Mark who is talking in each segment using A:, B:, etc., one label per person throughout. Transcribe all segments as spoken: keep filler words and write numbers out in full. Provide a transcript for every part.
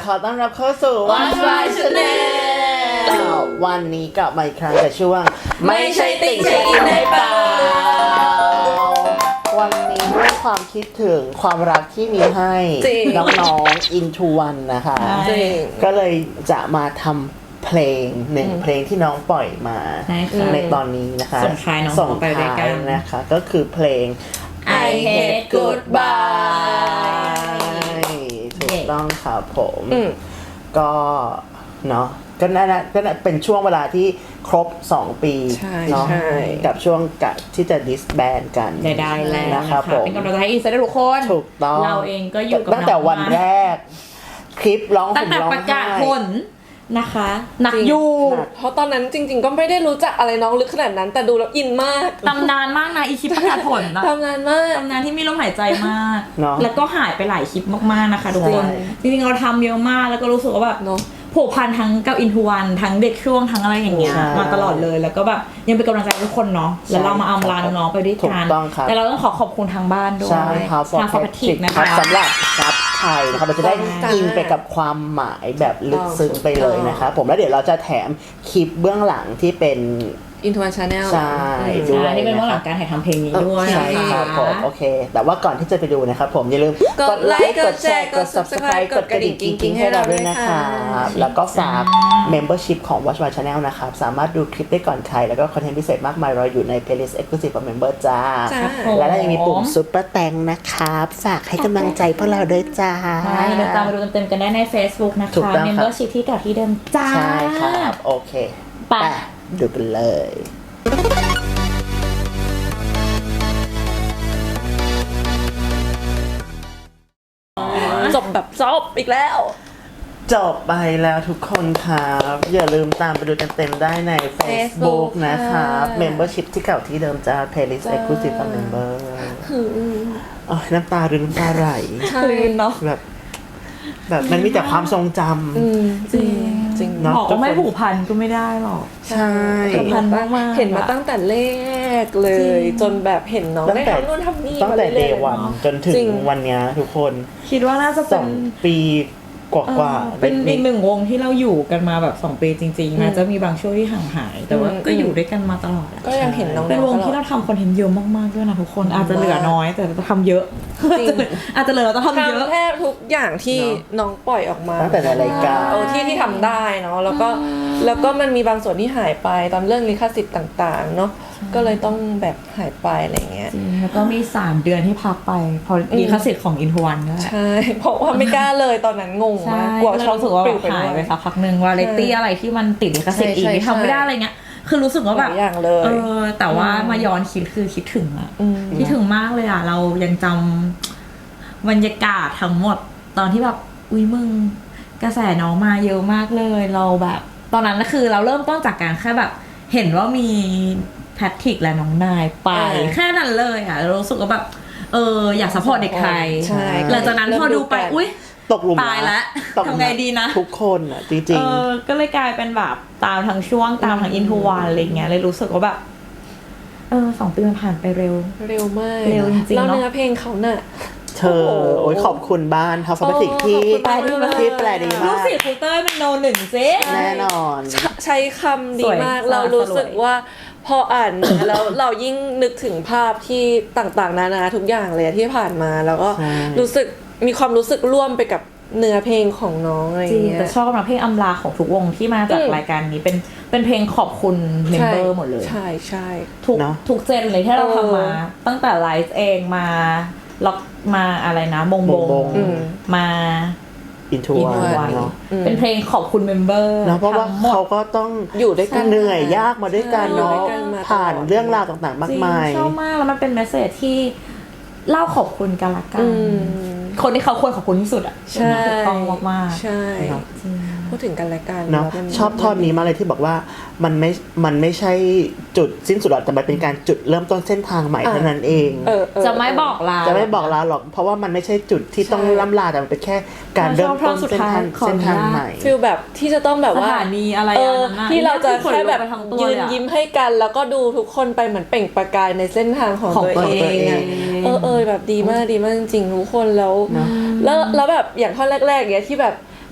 A: อต้อนรับเข้าสู่
B: Watch My Channel
A: วันนี้กลับมาอีกครั้งกับช่วง
B: ไม่ใช่ติ่งเช็คอินได้เปล่า
A: วันนี้ด้วยความคิดถึงความรักที่มีให้น้องๆ Into One นะคะก็เลยจะมาทำเพลงหนึ่งเพลงที่น้องปล่อยมาในตอนนี้นะคะ
B: ส่งท้ายน้องไปด้วยกัน
A: นะคะก็คือเพลง
B: I Hate Goodbye
A: ถูกต้องครับผมก็เนาะก็น่าก็เป็นช่วงเวลาที่ครบสองปีเนาะกับช่วงกับที่จะดิสแบนกัน
B: ได้แล้ว
A: นะครับผม
B: เป็นกำลังใจให้อินไซเดอร์ทุกคน
A: ถูกต้อง
B: เราเองก็อยู่กับ
A: ตั้งแต่วันแรกคลิปร้อง
B: ตั้งแต่ประกาศผลนะคะหนักอยู่
C: เพราะตอนนั้นจริงๆก็ไม่ได้รู้จักอะไรน้องลึกขนาดนั้นแต่ดูแล้วอินมาก
B: ตำนานมากนะอีคลิปประกาศผลนะ
C: ตำนานมาก
B: ตำนานที่มีลมหายใจมากแล้วก็หายไปหลายคลิปมากๆนะคะทุกคนจริงๆเราทำเยอะมากแล้วก็รู้สึกว่าแบบผูกพันทั้งกับอินทูวันทั้งเด็กช่วงทั้งอะไรอย่างเงี้ยมาตลอดเลยแล้วก็แบบยังเป็นกำลังใจทุกคนเนาะแล้วเรามาอำลาน้องๆไปด้วยกันแต่เราต้องขอขอบคุณทางบ้านด้วย
A: ทาง
B: ฟอร์ทิกนะคะ
A: สำหรับซับไทยนะครับเราจะได้อินไปกับความหมายแบบลึกซึ้งไปเลยนะครับผมแล้วเดี๋ยวเราจะแถมคลิปเบื้องหลังที่เป็น
C: Into One Channel
A: ใช่ด้วย
B: นี่เป็นเบื้องหลังการถ่ายทำเพลงนี้ด้วย
A: ใช่ครับผมโอเคแต่ว่าก่อนที่จะไปดูนะครับผมอย่าลืม
C: กดไลค์กดแชร์กด Subscribe กดกระดิ่งกิ๊งๆให้เราด้วยนะครับ
A: แล้วก็ฝาก Membership ของ Watch My Channel นะครับสามารถดูคลิปได้ก่อนใครแล้วก็คอนเทนต์พิเศษมากมายรออยู่ใน Playlist Exclusive for Member จ้าและเรายังมีปุ่ม Super Thank นะครับฝากให้กำลังใจพวกเราด้วยจ้า
B: ใช่เดี๋ยวตามมาดูเต็มๆกันได้ใน Facebook นะคะ Membership ที่ต่อที่เดิมจ้า
A: ใช่ครับโอเคไปดูกันเลย
C: จบแบบจบอีกแล้ว
A: จบไปแล้วทุกคนครับอย่าลืมตามไปดูเต็มๆได้ใน Facebook นะครับ Membership ที่เก่าที่เดิมจะ Playlist Exclusive for Member อ๋อน้ำตาหรือน้ำตาไหล
C: ใช่เนาะ
A: แบบแบบมันมีแต่ความทรงจ
B: ำจริงจริงบอกว่าไม่ผูกพันก็ไม่ได้หรอก
A: ใช่
C: ผูกพันมากเห็นมาตั้งแต่แรกเลยจนแบบเห็นน้องได้ทำนู่นทำนี่
A: ตั้งแต่เดย์วันจนถึงวันนี้ทุกคน
B: คิดว่าน่าจะเป็น
A: ปีกว่าๆ
B: เป็นอีกหนึ่งวงที่เราอยู่กันมาแบบสองปีจริงๆนะจะมีบางช่วงที่ห่างหายแต่ว่าก็อยู่ด้วยกันมาตลอด
C: ก็ยังเห็นน้อง
B: เป็นวงที่เราทำคอนเทนต์เยอะมากๆด้วยนะทุกคนอาจจะเหลือน้อยแต่เราทำเยอะอาจจะเหลือเราต้องทำเยอะ
C: แทบทุกอย่างที่น้องปล่อยออกมา
A: ตั้งแต่ในรายการ
C: ที่ที่ทำได้เนาะแล้วก็แล้วก็มันมีบางส่วนที่หายไปตอนเรื่องลิขสิทธิ์ต่างๆเนาะก็เลยต้องแบบหายไปอะไรเงี้ย
B: แล้วก็มีสามเดือนที่พักไปพอลิขสิทธิ์ของอินทวันก็
C: ใช่เพราะว่าไม่กล้าเลยตอนนั้นงงมากกลัวช่อง
B: รู้สึกว่าหายไปสักพักนึงวาไรตี้อะไรที่มันติดลิขสิทธิ์อีกทำไม่ได้อะไรเงี้ยคือรู้สึกว่าแบบเออแต่ว่ามาย้อนคิดคือคิดถึงอะคิดถึงมากเลยอะเรายังจำบรรยากาศทั้งหมดตอนที่แบบอุ้ยมึงกระแสน้องมาเยอะมากเลยเราแบบตอนนั้นก็คือเราเริ่มต้นจากการแค่แบบเห็นว่ามีแพทริกและน้องนายไปแค่นั้นเลยอ่ะเรารู้สึกว่าแบบเอออยากซัพพอร์ตเด็กไทยหลังจากนั้นพอดูไปอุ้ย
A: ตกหลุม
B: ตายแล้วทำไงดีนะ
A: ทุกคนอ่ะจริงๆเอ
B: อก็เลยกลายเป็นแบบตามทั้งช่วงตามทั้งอินทูวันอะไรเงี้ยเลยรู้สึกว่าแบบเออสองปีมันผ่านไปเร็ว
C: เร็วมาก
B: เร็วจริงๆ
C: แล้วเนื้อเพลงเขาน่ะ
A: เธอโอ้ยขอบคุณบ้านทัฟฟิกที่ที่แปลดีมาก
B: ลูกศิษย์ครูเต้ยมันโนหนึ่งเจ๊
A: แน่นอน
C: ใช้คำดีมากเรารู้สึกว่าพออ่านแล้วเรายิ่งนึกถึงภาพที่ต่างๆนานาทุกอย่างเลยที่ผ่านมาแล้วก็รู้สึกมีความรู้สึกร่วมไปกับเนื้อเพลงของน้องอะไรอย่างเงี้ย
B: แต่ชอบนะเพลงอำลาของทุกวงที่มาจากรายการนี้เป็นเป็นเพลงขอบคุณเมมเบอร์หมดเลย
C: ใช่ใช่
B: ทุกทุกเจนเลยที่เราทำมาตั้งแต่ไลฟ์เองมาล็อกมาอะไรนะบงบงมา
A: อินทูวันเนาะ
B: เป็นเพลงขอบคุณเมมเบอร์
A: นะเพราะว่าเขาก็ต้อง
C: อยู่ด้วยกัน
A: เหนื่อยยากมาด้วยกันเนาะผ่านเรื่องราวต่างๆมากมาย
B: ชอบมากแล้วมันเป็นเมสเสจที่เล่าขอบคุณกันละกันคนที่เขาควรขอบคุณที่สุดอ่ะ
C: ใช่
B: ถูกต้องมาก
C: ๆใช่พูดถึงกันและกัน
A: เนาะชอบท่อนนี้มากเลยที่บอกว่ามันไม่มันไม่ใช่จุดสิ้นสุดหรอกแต่มันเป็นการจุดเริ่มต้นเส้นทางใหม่เท่านั้นเอง
B: จะไม่บอกลา
A: จะไม่บอกลาหรอกเพราะว่ามันไม่ใช่จุดที่ต้องล่ำลาแต่มันเป็นแค่การเริ่มต้นเส้นทางเส้นทางใหม่
C: ฟีลแบบที่จะต้องแบบว่า
B: สถานีอะไร
C: ที่เราจะแค่แบบยืนยิ้มให้กันแล้วก็ดูทุกคนไปเหมือนเปล่งประกายในเส้นทางของตัวเองเออเออแบบดีมากดีมากจริงๆทุกคนแล้วแล้วแล้วแบบอย่างท่อนแรกๆเนี้ยที่แบบ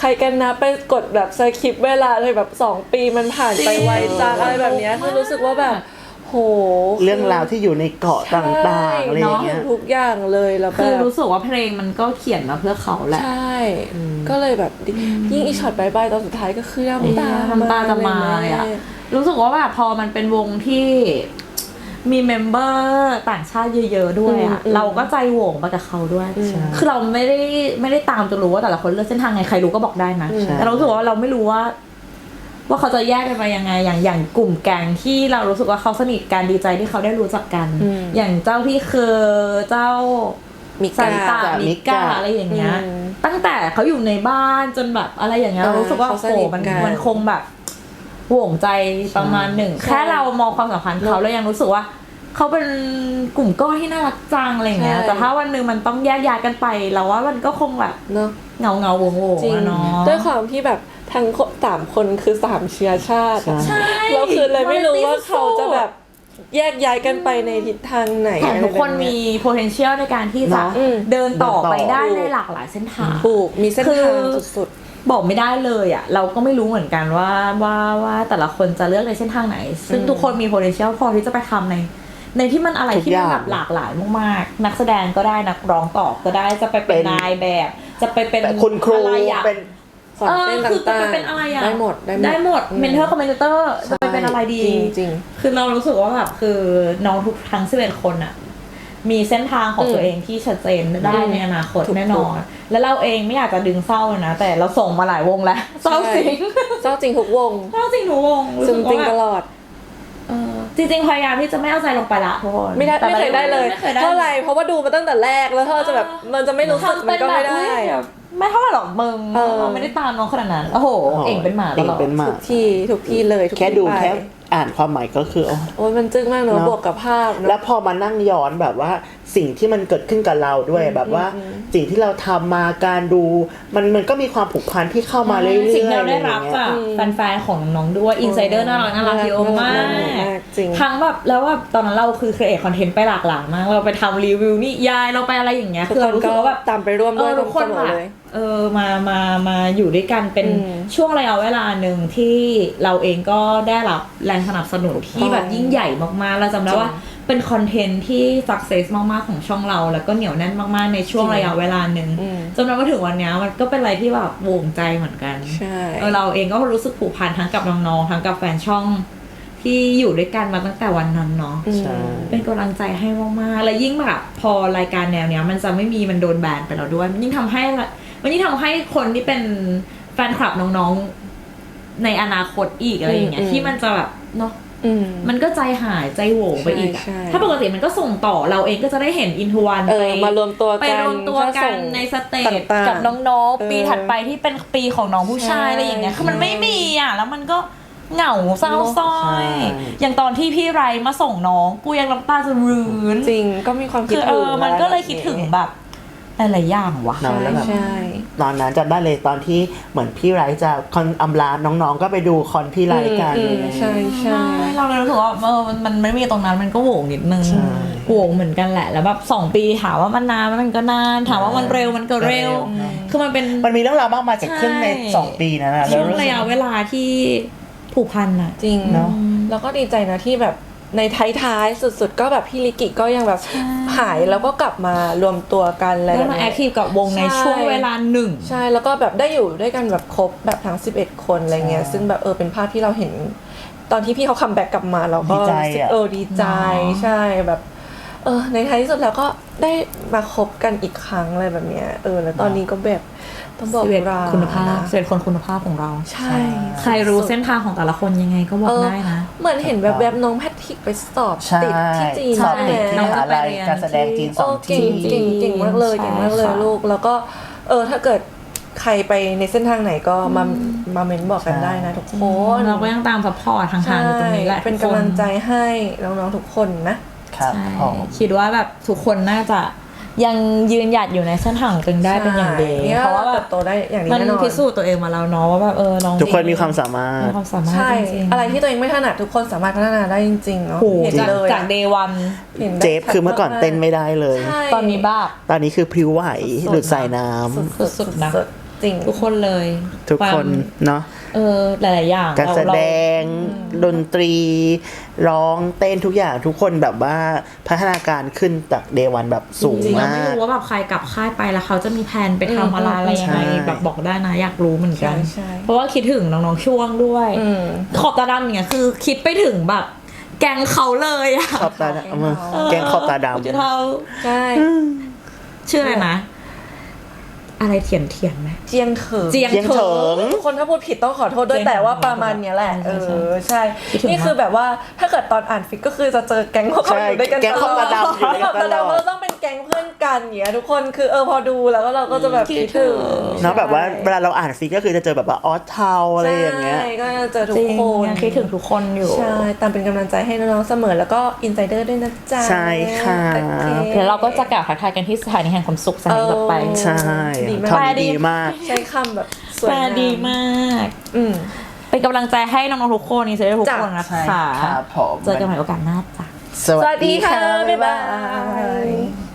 C: ใครกันนะไปกดแบบสคริปต์เวลาเลยแบบสองปีมันผ่านไปไวจังอะไรแบบเนี้ยคือรู้สึกว่าแบบโห
A: เรื่องราวที่อยู่ในเกาะต่างๆอะไรอย่างเงี้ย
C: ทุกอย่างเลยแล้ว
B: คือ
C: แบบ
B: รู้สึกว่าเพลงมันก็เขียนมาเพื่อเขาแหละ
C: ใช่ก็เลยแบบยิ่งอีช็อตบายบายตอนสุดท้ายก็คือน้ำตา
B: น้ำตาจะมาเลยอะรู้สึกว่าแบบพอมันเป็นวงที่มีเมมเบอร์ต่างชาติเยอะๆด้วยอะเราก็ใจโหวงไปกับเขาด้วยคือเราไม่ได้ไม่ได้ตามจนรู้ว่าแต่ละคนเลือกเส้นทางไงใครรู้ก็บอกได้นะแต่เรารู้สึกว่าเราไม่รู้ว่าว่าเขาจะแยกกันไปยังไงอย่างอย่างกลุ่มแก๊งที่เรารู้สึกว่าเขาสนิทกันดีใจที่เขาได้รู้จักกันอย่างเจ้าพี่คือเจ้า
C: มิ
B: ซัน
C: กา
B: ตามิกาอะไรอย่างเงี้ยตั้งแต่เขาอยู่ในบ้านจนแบบอะไรอย่างเงี้ยเรารู้สึกว่าโอ้มันมันคงแบบห่วงใจประมาณหนึ่งแค่เรามองความสัมพันธ์เขาแล้วยังรู้สึกว่าเขาเป็นกลุ่มก้อนที่น่ารักจังอะไรเงี้ยแต่ถ้าวันหนึ่งมันต้องแยกย้ายกันไปเราว่ามันก็คงแบบเนาะเงาเงาโวงๆเนาะ
C: ด้วยความที่แบบทั้งสามคนคือสามเชื้อชาติ
B: ใช่
C: เราคือเลยไม่รู้ว่าเขาจะแบบแยกย้ายกันไปในทิศทางไหน
B: แต่ทุกคนมี potential ในการที่จะเดินต่อไปได้ในหลากหลายเส้นทาง
C: ถูกมีเส้นทางสุด
B: ๆบอกไม่ได้เลยอ่ะเราก็ไม่รู้เหมือนกันว่าว่าว่าแต่ละคนจะเลือกในเส้นทางไหนซึ่งทุกคนมี potential พอที่จะไปทำในในที่มันอะไรที่มันแบบหลากหลายมากๆนักแสดงก็ได้นักร้องต่อก็ได้จะไปเป็นนายแบบจะไปเป็น
A: คุณครูเป็น
C: สอนเต้นต่าง
B: ๆ
C: ได้หมด
B: ได้หมดเมนเทอร์คอมเมนเตอร์จะไปเป็นอะไรดี
C: จริง
B: ๆคือเรารู้สึกว่าแบบคือน้องทุกทั้งสิบเอ็ดคนอะมีเส้นทางของตัวเองที่ชัดเจนได้ในอนาคตแน่นอนแล้วเราเองไม่อยากจะดึงเศร้านะแต่เราส่งมาหลายวงแล้วเศร้าจริง
C: เศร้าจริงทุกวง
B: เศร้าจริงทุกวง
C: จริงจริงตลอด
B: จริงๆพยายามที่จะไม่เอาใจลงไปละทุกคน
C: ไม่ได้ไม่เคยได้เลยเท่าไรเพราะว่าดูมาตั้งแต่แรกแล้วถ้าจะแบบมันจะไม่รู้สึกมันก็ไม่ได้
B: ไม่เท่าไหร่หรอกมึงเราไม่ได้ตามน้องขนาดนั้นโอ้โหเองเป็นหมาตลอด
C: ทุกที่ทุกที่เลย
A: แค่ดูแค่อ่านความหมายก็คือ
C: โอ้ยมันจึ้งมากเนอะบวกกับภาพ
A: แล้วพอมานั่งย้อนแบบว่าสิ่งที่มันเกิดขึ้นกับเราด้วยแบบว่าสิ่งที่เราทำมาการดูมันมันก็มีความผูกพันที่เข้ามาเรื่อยๆ
B: สิ่งที่เราได้รับจากแฟนๆของน้องด้วยอินไซเดอร์น่ารักน่ารักเยอะมากทั้งแบบแล้วแบบตอนนั้นเราคือครีเอทคอนเทนต์ไปหลากหลายมากเราไปทำรีวิวนี่ยายเราไปอะไรอย่างเงี้ย
C: คือเรารู้สึกว่าแบบตามไปร่วมด้วย
B: ทุกคนเลยเออมามามาอยู่ด้วยกันเป็นช่วงระยะเวลาหนึ่งที่เราเองก็ได้รับแรงสนับสนุนที่แบบยิ่งใหญ่มากๆเราจำได้ว่าเป็นคอนเทนต์ที่สักเซสมากๆของช่องเราแล้วก็เหนียวแน่นมากๆในช่วงระยะเวลาหนึ่งจนมาถึงวันนี้มันก็เป็นอะไรที่แบบโหวงใจเหมือนกันเออเราเองก็รู้สึกผูกพันทั้งกับน้องๆทั้งกับแฟนช่องที่อยู่ด้วยกันมาตั้งแต่วันนั้นเนาะเป็นกำลังใจให้มากๆและยิ่งแบบพอรายการแนวเนี้ยมันจะไม่มีมันโดนแบนไปแล้วด้วยมันยิ่งทำให้มันยิ่งทำให้คนที่เป็นแฟนคลับน้องๆในอนาคตอีกอะไรอย่างเงี้ยที่มันจะแบบเนาะมันก็ใจหายใจโหวไปอีกถ้าปกติมันก็ส่งต่อเราเองก็จะได้เห็นอินทวัน
C: ไปมารวมตัว
B: กันไปรวมตัวกันในสเตจกับน้องๆปีถัดไปที่เป็นปีของน้องผู้ชายอะไรอย่างเงี้ยคือมันไม่มีอ่ะแล้วมันก็เหงาเศร้าซ้อยอย่างตอนที่พี่ไรมาส่งน้องกูยังน้ำตาจะรื้น
C: จริงก็มีความคิดถึง
B: เออมันก็เลยคิดถึงแบบหลายอย่างว่ะ
A: ใช่ใช่ตอนนั้นจำได้เลยตอนที่เหมือนพี่ไรจะคอนอำลาน้องๆก็ไปดูคอนพี่ไรกัน
C: ใช่ใช่
B: เราเลยรู้สึกว่าเออมันมันไม่มีตรงนั้นมันก็โหวงนิดนึงโหวงเหมือนกันแหละแล้วแบบสองปีถามว่ามันนานมันก็นานถามว่ามันเร็วมันก็เร็วคือมันเป็น
A: มันมีเรื่องราวมากมายเกิดขึ้นในสองปีนะนะ
B: ช่วงระยะเวลาที่ผูกพันอะ
C: จริงเนาะแล้วก็ดีใจนะที่แบบในท้ายๆสุดๆก็แบบพี่ลิกิก็ยังแบบหายแล้วก็กลับมารวมตัวกันอะไรแบบนี้
B: ได้มาแอคทีฟกับวงในช่วงเวลาหนึ่ง
C: ใช่แล้วก็แบบได้อยู่ด้วยกันแบบครบแบบทั้งสิบเอ็ดคนอะไรเงี้ยซึ่งแบบเออเป็นภาพที่เราเห็นตอนที่พี่เขาคัมแบ็กกลับมาเราก็เออดีใจใช่แบบเออในท้ายที่สุดแล้วก็ได้มาคบกันอีกครั้งอะไรแบบเนี้ยเออแล้วตอนนี้ก็แบบต้องบอก
B: เราคุณภาพเสร็จคนคุณภาพของเรา
C: ใช่
B: ใครรู้เส้นทางของแต่ละคนยังไงก็บอกได้นะ
C: เหมือนเห็นแบบแบบน้องแพทริกไปสอบติดที่จีน
A: สอบติดที่มหาลัยการแสดงจีนสองที่
C: เก่งเก่งมากเลยเก่งมากเลยลูกแล้วก็เออถ้าเกิดใครไปในเส้นทางไหนก็มามาเมนบอกกันได้นะทุกคน
B: เราก็ยังตามซัพพอร์ตทางทางอยู่ตรงนี้แหละ
C: เป็นกำลังใจให้น้องๆทุกคนนะครับ
B: คิดว่าแบบทุกคนน่าจะยังยืนหยัดอยู่ในเส้นทางของตัวเองได้เป็นอย่างดี
C: เพราะว่าแบบโตได้อย่างนี้แน่นอน
B: มันพิสูจน์ตัวเองมาแล้วเนาะว่าแบบเออน้อง
A: ทุกคนมีความสามารถ
B: มีความสามารถ
C: ใช่อะไรที่ตัวเองไม่ถนัดทุกคนสามารถพัฒนาได้จริงๆเนาะ
B: เห็นเลยจากเดย์วัน
A: เจฟคือเมื่อก่อนเต้นไม่ได้เลย
B: ตอนนี้บ้า
A: ตอนนี้คือพริ้วไหวหลุดสายน้
B: ำสุดๆนะ
C: จริง
B: ทุกคนเลย
A: ทุกคนเนาะ
B: เออหลาย ๆ อย่าง
A: การแสดงดนตรีร้องเต้นทุกอย่างทุกคนแบบว่าพัฒนาการขึ้นจากเดวันแบบสูง
B: จริงๆเรา
A: มา
B: ไม่
A: ก
B: รู้ว่าแบบใครกลับค่ายไปแล้วเขาจะมีแผนไปทำอะไรอะไรยังไง
A: ใช่
B: แบบบอกได้นะอยากรู้เหมือนกัน
C: ใช่
B: เพราะว่าคิดถึงน้อง ๆ ช่วงด้วย
C: อืม
B: ขอบตาดำเนี่ยคือคิดไปถึงแบบ แกงเขาเลยอะ
A: ขอบตาดำแกงขอบตาดำ
B: จุดเทา
C: ใช่
B: ชื่ออะไรนะ อะไรเถียนเถียนไหม
C: เจียงเถิง
B: เจียง
A: เจียงเถิง
C: ทุกคนถ้าพูดผิดต้องขอโทษด้วย
B: เจียงเถิง
C: แต่ว่าประมาณเนี้ยแหละ
B: ใช่
C: เอ
B: ใช่
C: อใช่
B: คิดถึง
C: นี่คือแบบว่าถ้าเกิดตอนอ่านฟิกก็คือจะเจอแก๊งพวกเขา
A: ใช่
C: อยู่ด้วยกัน
A: แก๊งขอบตาดำอยู่ด้วยกัน
C: ขอบตาดำก็ต้องเป็นแก๊งเพื่อนกันอย่างเงี้ยทุกคนคือเออพอดูแล้วก็เราก็จะแบบคิดถึง
A: เนาะแบบว่าเวลาเราอ่านฟิกก็คือจะเจอแบบว่าออสเทาอะไรอย่างเงี้ย
C: ใช่ก็จะเจอทุ
B: จ
C: ก
B: ริง
C: คน
B: ยังคิดถึงทุกคนอยู่
C: ใช่ตามเป็นกำลังใจให้น้องๆเสมอแล้วก็อินไซเดอร์ด้วยนะจ๊ะ
A: ใช่ค่ะ
C: โอเค
B: เดี๋ยวเราก็จะกล่าวทักทายกันที่สถานีแห่งความสุขสถานีต่อไป
C: เออ
A: ใช่
C: ดีมาก
A: ทำดีมาก
C: ใช้คำแบบสวย
B: แปล
C: งาม
B: ดีมาก
C: อืม
B: เป็นกำลังใจให้น้องๆทุกคนนี่เซทุกคนนะ
A: ใช่
B: คะ
A: ครับผม
B: เจอกันใหม่โอกาสหน้าจ้ะ
A: สวัสดีค่ะ
C: บ๊ายบาย
A: บ๊ายบาย